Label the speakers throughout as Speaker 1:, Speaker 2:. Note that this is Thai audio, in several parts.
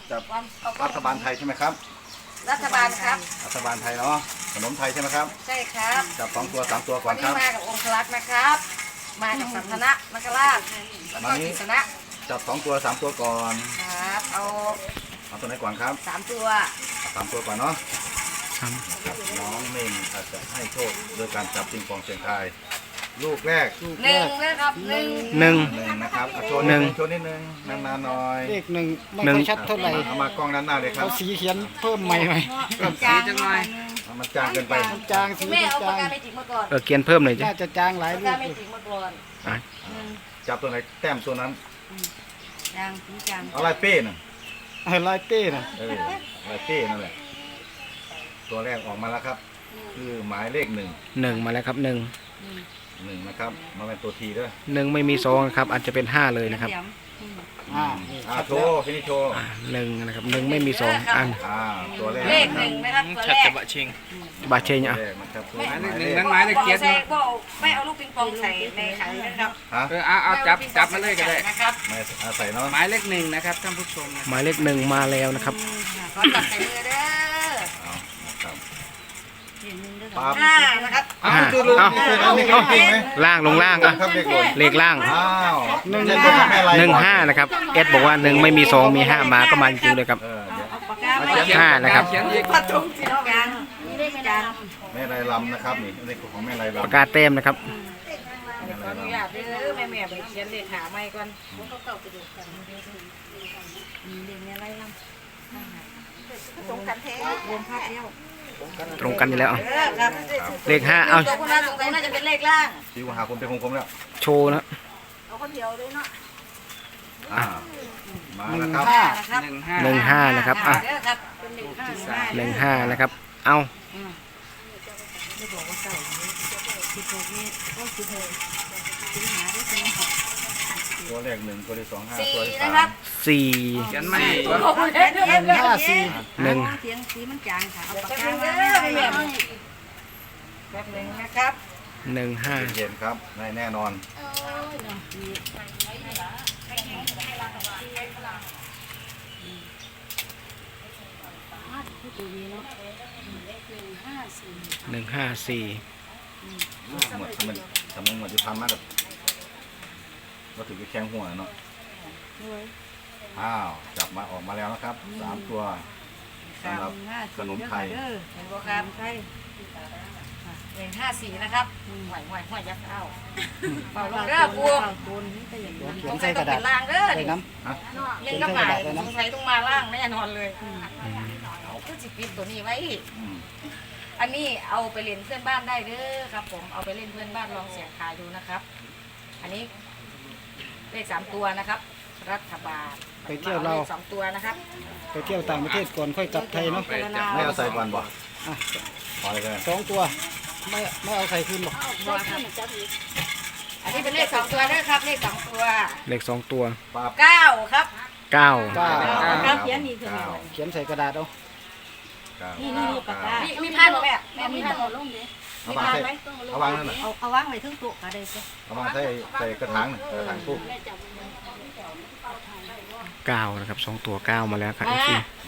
Speaker 1: จับรัฐบาลไทยใช่ไหมครับ
Speaker 2: รัฐบาลครับ
Speaker 1: รัฐบาลไทยเนาะขนมไทยใช่ไหมครับ
Speaker 2: ใช่ครับ
Speaker 1: จับ2 ตัว 3 ตัวก่อ
Speaker 2: วัน น
Speaker 1: ค
Speaker 2: นี้
Speaker 1: รับ
Speaker 2: มากับองค์ลักษณ์นะครับ มากับสันทนะนคราชแล้วก็กิษณะ
Speaker 1: จับ2 ตัว 3 ตัวก่อน
Speaker 2: ครับเอา
Speaker 1: เอาตัวไหนก่อนครับ
Speaker 2: 3 ตัว
Speaker 1: 3 ตัวก่อนเนาะน้องเมนอาจจะให้โชคโดยการจับปิงปองเสียงทายลูกแรก
Speaker 2: หนึ่งนะครับหนึ่ง
Speaker 3: หนึ่ง
Speaker 1: 1นะครับโชว์นิดนึงโชว์นิดนึงนานๆหน่อย
Speaker 4: เลขหนึ่งไม่ค่อยชัดเท่าไหร่
Speaker 1: เอามากล้องด้านหน้าเลยครั
Speaker 4: เอา
Speaker 1: บ
Speaker 4: สีเขียนเพิ่มใหม่ไหม
Speaker 2: เพิ่มจางจังหน่อย
Speaker 1: มันจางเกินไป
Speaker 4: มันจางสี
Speaker 2: แม่
Speaker 4: มัน
Speaker 2: เอาปาก
Speaker 4: จาง
Speaker 2: กาเมจิกมาก่อน
Speaker 3: เขียนเพิ่มหน่อยจ้ะ
Speaker 4: น่าจะจางหลาย
Speaker 2: ปาก
Speaker 4: ลู
Speaker 2: กาก เมจิกมาก่อน
Speaker 3: อ่ะ
Speaker 2: หนึ่ง
Speaker 1: จับตัวไหนแต้มตัวนั้น
Speaker 2: จางสีจาง
Speaker 1: เอาลายเป้น่ะ
Speaker 4: ลายเต้น่ะ
Speaker 1: ลายเป้นั่นแหละตัวแรกออกมาแล้วครับ คือหมายเลข1
Speaker 3: 1มาแล้วครับ1
Speaker 1: 1นะครับมาเป็นตัวทีด้วย
Speaker 3: 1ไม่มี2นะครับอาจจะเป็น5เลยนะครับ
Speaker 4: นี่
Speaker 1: โชว์ที่นี่โชว์
Speaker 3: 1นะครับ1ไม่มี2อัน
Speaker 1: ตัวแรก
Speaker 2: เลขหนึ่งนะครับตัว
Speaker 5: ชัด
Speaker 2: แร
Speaker 5: จะ
Speaker 2: ก
Speaker 5: บะชิง
Speaker 3: บาเชง
Speaker 1: ตัว
Speaker 3: อ่ะ
Speaker 1: แรกนะครับตัว
Speaker 5: หมายเลข
Speaker 1: ห
Speaker 5: หนึ่ง
Speaker 1: ข
Speaker 5: นั้นหมายเลข
Speaker 2: บอ
Speaker 5: เกีย
Speaker 2: ก
Speaker 5: รติ
Speaker 2: ใส่ก็ไม่เอาลูกปิงปองใส่ในขันนะครับ
Speaker 1: ฮะ
Speaker 5: เอาจับมาเลยก็ได้
Speaker 2: นะครับ
Speaker 1: ไม่ใส่เนาะ
Speaker 5: หมายเลขหนึ่งนะครับท่านผู้ชมนะ
Speaker 3: หมายเลข1มาแล้วนะครับ
Speaker 2: ขอจับใส่มือเด้อ
Speaker 1: เอานะครับ
Speaker 2: ห้านะครับ
Speaker 3: อ่ะ
Speaker 1: ดูดู
Speaker 3: เอา
Speaker 1: นี่คือจริงไหม
Speaker 3: ล่างลงล่างอ่ะ
Speaker 1: ครับเลขหล่น
Speaker 3: เลขล่าง
Speaker 1: อ้าว1
Speaker 3: 15นะครับเอสบอกว่า1ไม่มี2มี5มาก็มาจริงๆเลยครับ
Speaker 1: เดี๋ยว
Speaker 2: เอาปากกาไม่
Speaker 3: ห้านะครับ
Speaker 5: เขียนอีก
Speaker 2: พัดทุ่งสีจางนี่ได้จาง
Speaker 1: แม่ไรลำนะครับนี่เลขของแม่ไรลำ
Speaker 3: ปากกาเต็มนะครับ
Speaker 2: ขออนุญาตเด้อแม่ไปเขียนเลขหาไม่ก่อนเรียนอะไรล่ะตรงกันแท้รวมภาพเดียว
Speaker 3: ตรงกันอยู่แล้วอ่ะ
Speaker 2: ครับ
Speaker 3: เลข5เอา
Speaker 2: ตัวคนนั้นตรงน่าจะเป็นเลขล่าง
Speaker 1: ชี้ว่าหาคนเป็นคมแล้ว
Speaker 3: โชว์นะ
Speaker 2: เอาคนเดียวเลยเนาะ
Speaker 1: มาแล้วครับ
Speaker 2: นะครับ
Speaker 3: 15นะครับอ่ะ
Speaker 2: เด้อครับเป็น15
Speaker 3: 15นะครับเอา
Speaker 2: ไม่บอกว่าเก่า16นี่ก็16สิงหาได้ใช่ไหมครับ
Speaker 1: ตัวแรก1ตัวที่2 5
Speaker 2: สี่
Speaker 1: ตัวที่
Speaker 2: นะครับ
Speaker 3: 4
Speaker 5: เขียนไม่
Speaker 3: 1
Speaker 2: เสียงสีมันจางค่ะเอาปากกามาแบบหนึ่งนะครับ
Speaker 3: 1
Speaker 1: เย็นครับแน่นอน
Speaker 3: 5 1 5 4
Speaker 1: หมดมันทำมันหมดที่พันมากกับก็ถือไปแข้งหัวเนาะจับมาออกมาแล้วนะครับ3 ตัวสำหรับขนมไทย
Speaker 2: เห็นบ่ครับใช่เลข54นะครับห่วยยักษ์เข้าเป่าลงเด้อปูสงสัยต้องเป็นล่างเด้อ
Speaker 4: ใส่น้
Speaker 2: เล่นกับหมายสงสัยต้องมาล่างแน่นอนเลยเอาคือสิปิดตัวนี้ไว้ อันนี้เอาไปเล่นเพื่อนบ้านได้เด้อครับผมเอาไปเล่นเพื่อนบ้านลองเสียงทายดูนะครับ อันนี้เลข3 ตัวนะครับ รัฐบาล
Speaker 4: ไปเที่ยวเรา
Speaker 2: เลข2 ตัวนะครับ
Speaker 4: ไปเที่ยวต่างประเทศก่อนค่อยกลับไทยเนาะ
Speaker 1: ไม่เอาใส่ก่อนบ่พอเลย
Speaker 4: 2 ตัวไม่เอาใส่คืนหรอก
Speaker 2: อันนี้เป็นเลข2 ตัวเด้อครับ เลข2 ตัว
Speaker 3: เลข2ตัว
Speaker 1: ปั๊บ
Speaker 2: 9ครับ
Speaker 3: 9
Speaker 2: ครับเขียนนี่คือ
Speaker 4: เขียนใส่กระดาษเอา
Speaker 2: นี่ปากกามีผ้าหรอแม่มีผ้า
Speaker 1: เอาวางใส่เอาวางนั่นน่ะ
Speaker 2: เอาวางไว้ทึ่งโต๊ะก็ได้จ้ะ
Speaker 1: เอาวางใส่กระถางปุ๊บ
Speaker 3: 9นะครับ2ตัว9มาแล้วครับอีกที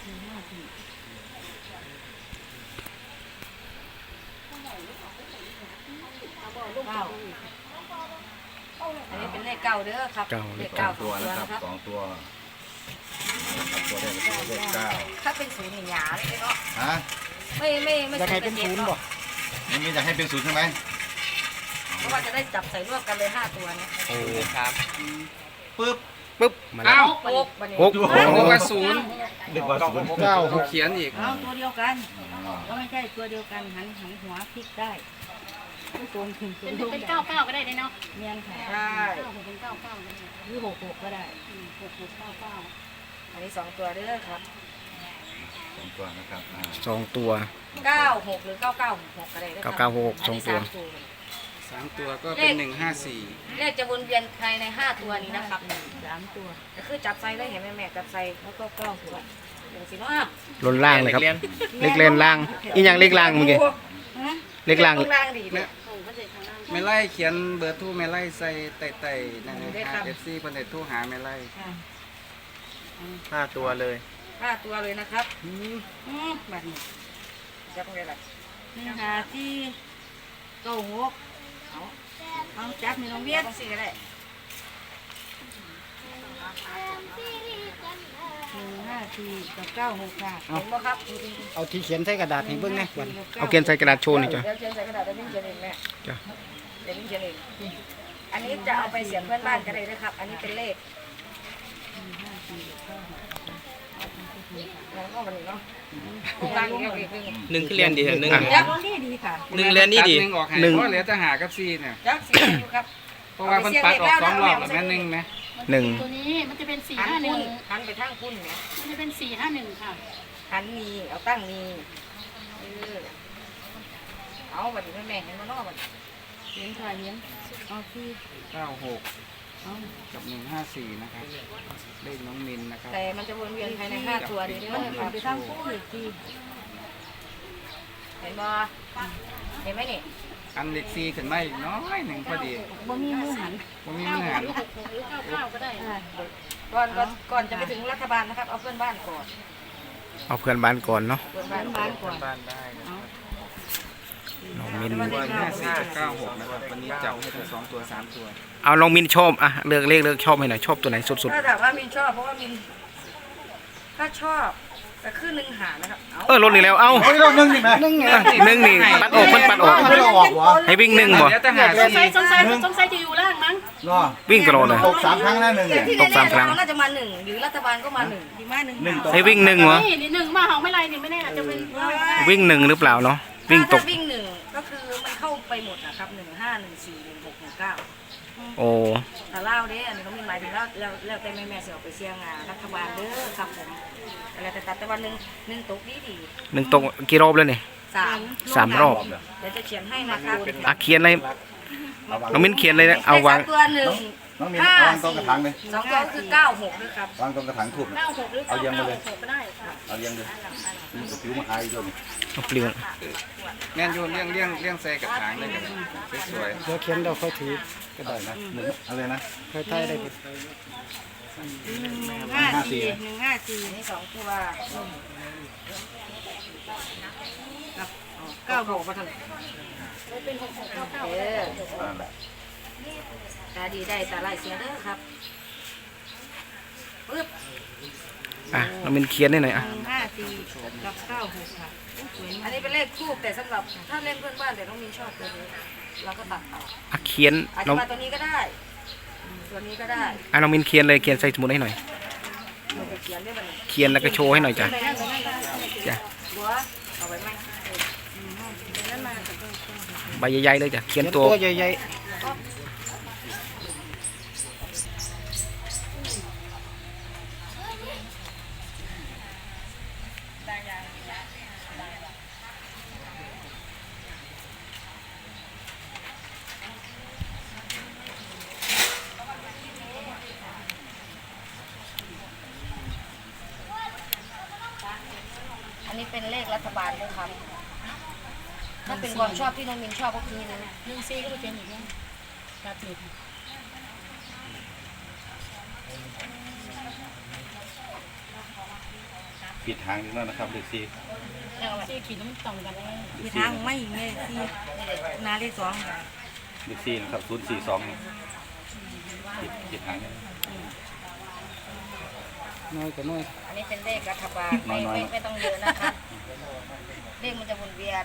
Speaker 2: อันนี้เป็นเลขเก้าเด้อครับเลขเก้า
Speaker 1: ตัวนะครับ2 ตัวตัวแรกตัวเลข9
Speaker 2: ถ้าเป็นศูนย์หยาเลยเนาะ
Speaker 1: ฮะ
Speaker 2: ไม่
Speaker 4: อยากให้เป็นศูนย์บ่
Speaker 1: นี่มีอยากให้เป็น0ใช่ไหม
Speaker 2: เพราะว่าจะได้จับใส่รวบกันเลย5 ตัวเนี่ย
Speaker 5: โอ้ครับ
Speaker 1: ปึ๊บ
Speaker 3: ปึ๊บมาแล้ว
Speaker 2: 6วันนี้
Speaker 3: 6
Speaker 5: บอกว่าศูนย์
Speaker 1: เรียกว่า0
Speaker 4: 9
Speaker 5: เขียนอีก
Speaker 2: เอาตัวเดียวกันก็ไม่ใช่ตัวเดียวกันหันหัวพลิกได้ตรงถึงเป็น9 9ก็ได้เนาะเนียนค่ะใช่เป็น9 9หรือ6 6ก็ได้6 6 9 9อันนี้2 ตัวเด้อครับ
Speaker 1: 2 ตัวนะครับ
Speaker 3: 2ตัว
Speaker 2: 96หรือ9966ก็ได้เด้อครับ
Speaker 3: 9966 2ตัว
Speaker 5: 3 ตัวก็เป็น154
Speaker 2: เลขจะวนเวียนภายใน5 ตัวนี้นะครับ3 ตัวก็คือจับใส่ได้เห็นไหมแม่จับใส่แล้วก็กล้องตัวอย่างสิเนาะ
Speaker 3: ล้นล่างเลยครับเลขเล่นล่างอีกอย่างเลขล่างเมื่อกี้เลขล่าง
Speaker 2: ล่างดีเลย
Speaker 5: ไม่ไล่เขียนเบอร์โทรไม่ไล่ใส่ไต่ๆนะฮะ FC คนไหนโทรหาไม่ไล่
Speaker 3: 5ตัวเลย
Speaker 2: 5 ตัวเลยนะครับ
Speaker 6: บัดนี้
Speaker 2: จับตรงไหนล่ะ
Speaker 6: 1 5 4 9 6เอาจับนี่น้องเวี
Speaker 2: เวี
Speaker 6: ย
Speaker 2: ย
Speaker 6: น
Speaker 2: นสี่ก็ได้
Speaker 6: 1 5 4กับ9 6ค่ะ
Speaker 2: เห็นบ่ครับ
Speaker 4: เอาที่เขียนใส่กระดาษให้เบิ่งแหน่บัด
Speaker 3: เอาเขียนใส่กระดาษโชว์หน่อยจ้ะ
Speaker 2: เดี๋ยวเขียนใส่กระดาษแล้ววิ่งเขียนเองแม่
Speaker 3: จ้ะ
Speaker 2: เดี๋ยววิ่งเขียนเองอันนี้จะเอาไปเสียบเพื่อนบ้านก็ได้นะครับ อันนี้เป็นเลขแล้วก็วันนี้เนาะพวกล่างอีกแล้วอีกหนึ่ง
Speaker 3: หนึ่งคือเรียนดีหนึ่ง
Speaker 2: ยัก
Speaker 6: นี่ดีค่ะ
Speaker 3: หนึ่งเรียนนี่ดี
Speaker 5: ตัหนึ่งออกให้
Speaker 3: หนึ่ง
Speaker 5: เพราะเหลือแต่หากับ4เนี่ย
Speaker 2: ยักสีอยู่ครับ
Speaker 5: เพราะว่ามันปัดออก2รอบแล้วแม่น1ไหม
Speaker 3: หนึ่ง
Speaker 6: ตัวนี้มันจะเป็น
Speaker 2: หันพุ่น
Speaker 6: 451
Speaker 2: หันไปทางพุ่นเนี่ย
Speaker 6: มันจะเป็น451ค่ะ
Speaker 2: หันมีเอาตั้งมีเอาบัดนี้แม่เห็นมานอกบัด
Speaker 6: เลี้ยงค่ะเลี้ยงเอาที่
Speaker 5: 96
Speaker 6: เอา
Speaker 5: กับ154นะครับเลขน้องมินนะครับ
Speaker 2: แต่มันจะวนเวียนภายใน5 ตัวนี้เด้
Speaker 6: มัน
Speaker 2: อค
Speaker 6: เอา
Speaker 2: รับ
Speaker 6: ไปทำคู่อีกที
Speaker 2: เห็นบ่เห็นไหมนี่
Speaker 5: อันเลข4ขึ้นมาอีกน้อยหนึ่งพอดี
Speaker 6: บ่มีมือหัน
Speaker 5: บ่มีมือหัน
Speaker 6: 9ก็ได้
Speaker 2: ก่อนจะไปถึงรัฐบาลนะครับ เอาเพื่อนบ้านก่อน
Speaker 3: เอาเพื่อนบ้านก่อนเนาะ
Speaker 2: เพื่อนบ้านก่อน
Speaker 5: บ้านได้นะครับ
Speaker 3: น้องมิน
Speaker 5: 54กับ96นะครับวันนี้จับให้ทั้ง2ตัว3ตัว
Speaker 3: เอาน้องมินชอบอ่ะเลือกเลขเลือกชอบให้หน่อยชอบตัวไหนสุด
Speaker 2: ถ้าถามว่ามินชอบเพราะว่ามินถ้าชอบแต่ขึ้นหนึ่งหานะครับ
Speaker 3: ๆลดอีกแล้วเอ้า
Speaker 1: โอ้ยเราหนึ่งนี่ไหม
Speaker 3: หนึ่งนี่ปัดออกปัดออก
Speaker 1: ไม่ได้ออกวะ
Speaker 3: ให้วิ่งหนึ่งบ่
Speaker 5: เหลือแต่หา
Speaker 6: สงสัย
Speaker 5: 4
Speaker 6: สงสัยจะอยู่ล่างมั้ง
Speaker 1: เนาะ
Speaker 3: วิ่งตลอดเลย
Speaker 1: ตก3 ครั้งแล้วหนึ่งเนี่ย
Speaker 2: ที่
Speaker 3: ตกสามครั้ง
Speaker 2: น่าจะมาหนึ่งหรือรัฐบาลก็มาหนึ่ง
Speaker 6: ดีมากหนึ่ง
Speaker 1: หนึ่งตก
Speaker 3: ให้วิ่งหนึ่งเหรอ
Speaker 6: นี่1มาเฮาไม่ไรนี่ไม่แน่อาจจะเป็น
Speaker 3: วิ่งหนึ่งหรือเปล่าเนาะวิ่งตก
Speaker 2: ถ้าวิ่งหนึ่งก็คือมันเข้าไปหมดนะครับ15141619
Speaker 3: โอ้
Speaker 2: แต่เล่าเด้อันนี้เขามีหมายถึงแล้วแต่แม่เสียออกไปเสี่ยงรัฐบาลเด้อครับผมอะไรแต่ตัดแต่วันหนึ่งตกดี
Speaker 3: หนึ่งตกกี่รอบแล้วเนี่ย
Speaker 2: 3
Speaker 3: 3 รอบ
Speaker 2: เดี๋ยวจะเขียนให้นะครับ
Speaker 3: อ่ะเขียนเลยน้องมินเขียนเลยนะเอาวาง
Speaker 2: ลขตัวหนึ่ง
Speaker 1: น้องมีวางตรงกระถางเลย
Speaker 2: 2 ตัวคือ96ด้วยครับ
Speaker 1: วางตรงกระถางถูก
Speaker 6: 96หรือ
Speaker 1: เอาเรียงมาเลย
Speaker 6: 96ก็ได้ค่ะ
Speaker 1: เอาเรียงเลยมีกระผิวมาอายด้วยนี่
Speaker 3: เอาเปลี่ยน
Speaker 5: แม่นอยู่เลี้ยงใส่กระถางเลยกันสวย
Speaker 4: เดี๋ยวเขียนเราค่อยถือกระดาษนะ
Speaker 1: หนึ่งอะไรนะ
Speaker 4: ค่อยถ่ายได้
Speaker 6: 154 154
Speaker 2: อันนี้2ตัว
Speaker 6: 96
Speaker 2: มาทาง
Speaker 6: เป็น6699
Speaker 2: เออตาดีได้ตาไล่เสียเด้อครับปึ๊บ
Speaker 3: อ่ะน้องมินเขียนได้หน่อยอ่ะ
Speaker 6: 154กับ96ค่ะสวย
Speaker 2: อันนี้เป็นเลขคู่แต่สำหรับถ้าเล่นเพื่อนบ้านแต่ต้องมีชอบตัวนี้เราก็ตัดเอา
Speaker 3: อ่ะเขียน
Speaker 2: อาจ
Speaker 3: น้
Speaker 2: จะ
Speaker 3: อง
Speaker 2: มาตัวนี้ก็ได้ตัวนี้ก็ได้
Speaker 3: อ่ะน้องมินเขียนเลยเขียนใส่สมุดให้หน่อย
Speaker 2: มันจะเขียนได้บ้าง
Speaker 3: เขียนแล้วก็โชว์ให้หน่อยจ้ะจ้ะ
Speaker 2: บัวเอาไว้ไหม
Speaker 3: ใบใหญ่ๆเลยจ้ะเขียน
Speaker 4: เขียน
Speaker 3: ตั
Speaker 4: ตัว วใหญ่
Speaker 2: อันนี้เป็นเลขรัฐบาลด้วยครับถ้าเป็นความชอบที่น้องมินชอบก็คือ
Speaker 6: 14ก็เป็นอีกนะตัดติด
Speaker 1: ปิดทางนี้แล้วนะครับเด็กซี
Speaker 6: 4ขีดมันต่ำกันเลย
Speaker 2: มีทางไม่ไงที่นาเลข2
Speaker 1: เด็กซีนะครับ042ปิดทางนี้
Speaker 4: ๆน้อยก็น้อย
Speaker 2: อันนี้เป็นเลขรัฐบาลไม่ต้องเยอะนะครับเลขมันจะวนเวียน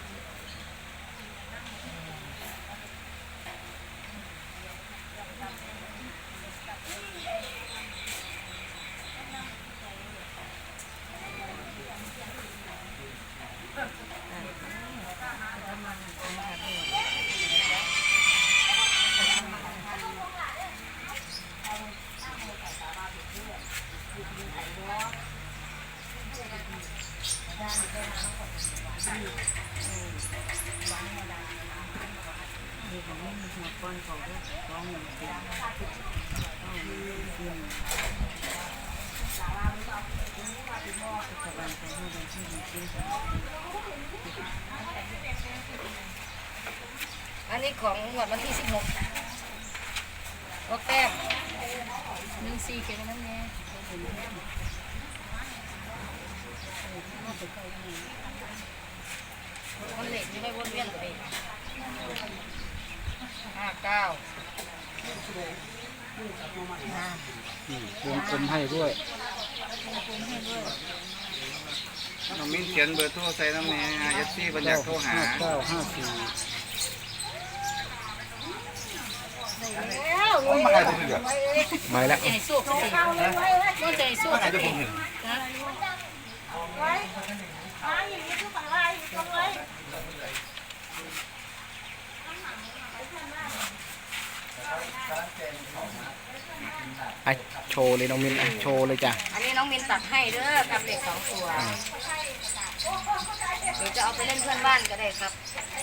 Speaker 2: อันนี้ของงวดวันที่16ก็แต้ม
Speaker 6: 14เขียนนั้นแน่
Speaker 4: วงกลมให้ด้วย
Speaker 5: น้องมิ้นเขียนเบอร์โทรใส่น้ำแน่เอฟซีบัญญัติโทรหา
Speaker 1: มาให้ผมเถอะ
Speaker 3: มาแล้ว
Speaker 2: ใหญ่สู้เขาสินู่นใจสู้
Speaker 1: มาให้เดี๋ยวผมเถอะ
Speaker 2: นะ
Speaker 3: อ่ะโชว์เลยน้องมินอ่ะโชว์เลยจ้ะ
Speaker 2: อันนี้น้องมินตัดให้เด้อกับเลข2 ตัวเดี๋ยวจะเอาไปเล่นเพื่อนบ้านก็ได้ครับ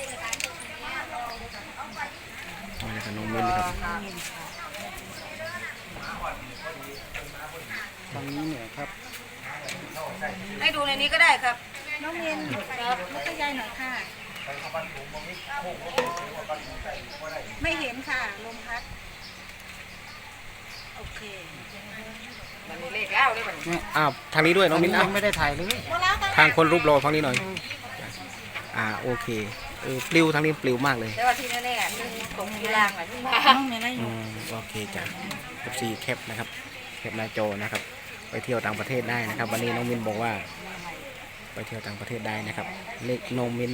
Speaker 3: เอาเลยค่ะน้องมินครับ
Speaker 4: ทางนี้เนี่ยครับ
Speaker 2: ให้ดูในนี้ก็ได้ครับ
Speaker 6: น้องเรียนครับแล้วก็ยายหน่อยค่ะ ไม่เห็นค่ะลมพัดโอเค
Speaker 2: มันมีเลขแล้วด้วยมัน
Speaker 3: อ้าวทางนี้ด้วยน้องมิน
Speaker 4: ยั
Speaker 3: อ่ะ
Speaker 4: งไม่ได้ถ่ายเลย
Speaker 3: ทางคนรูปรอฟังนี้หน่อยโอเคปลิวทางนี้ปลิวมากเลย
Speaker 2: แต่ว่าที่แน่ๆมันตรงที่ล่างแหละที่มา
Speaker 6: น้องเรียนได้อ
Speaker 3: อื
Speaker 6: ยู่
Speaker 3: มโอเคจ้ะ14แคปนะครับแคปหน้าจอนะครับ ไปเที่ยวต่างประเทศได้นะครับ วันนี้น้องมินบอกว่า ไปเที่ยวต่างประเทศได้นะครับ เลขน้องมิน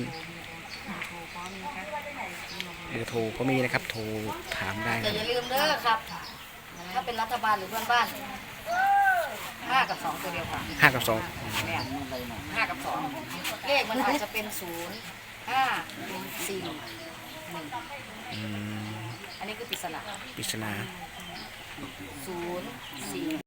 Speaker 3: เบอร์โทรก็มีนะครับ โทรถามได้
Speaker 2: แต่
Speaker 3: นะ
Speaker 2: อย่าลืมเด้อครับ ถ้าเป็นรัฐบาลหรือเพื่อนบ้าน5 กับ 2ตัวเดียวค่ะ
Speaker 3: 5 กับ
Speaker 2: เนี่ย5 กับ 2 เลขมันอาจจะเป็น0 5 4 1
Speaker 3: 2อืม
Speaker 2: อันนี้คือปริศนา
Speaker 3: ปริศนา
Speaker 2: 0 4